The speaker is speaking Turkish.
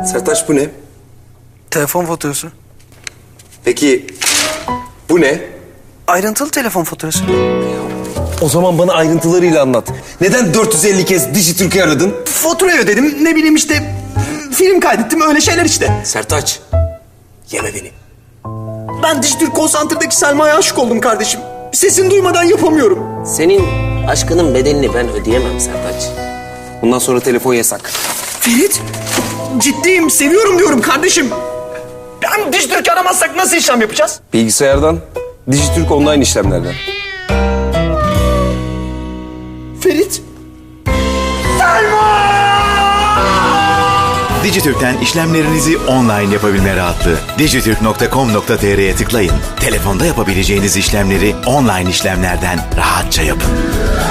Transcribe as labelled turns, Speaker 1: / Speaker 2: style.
Speaker 1: Sertaç bu ne?
Speaker 2: Telefon faturası.
Speaker 1: Peki bu ne?
Speaker 2: Ayrıntılı telefon faturası.
Speaker 1: O zaman bana ayrıntılarıyla anlat. Neden 450 kez Dijitürk'ü aradın?
Speaker 3: Faturayı ödedim, ne bileyim işte film kaydettim, öyle şeyler işte.
Speaker 1: Sertaç, yeme beni.
Speaker 3: Ben Dijitürk Call Center'daki Selma'ya aşık oldum kardeşim. Sesini duymadan yapamıyorum.
Speaker 4: Senin aşkının bedelini ben ödeyemem Sertaç.
Speaker 1: Bundan sonra telefon yasak.
Speaker 3: Ferit, ciddiyim, seviyorum diyorum kardeşim. Ben Dijitürk'ü aramazsak nasıl işlem yapacağız?
Speaker 1: Bilgisayardan, Dijitürk online işlemlerden.
Speaker 3: Ferit.
Speaker 5: Dijitürk'ten işlemlerinizi online yapabilme rahatlığı. Dijitürk.com.tr'ye tıklayın. Telefonda yapabileceğiniz işlemleri online işlemlerden rahatça yapın.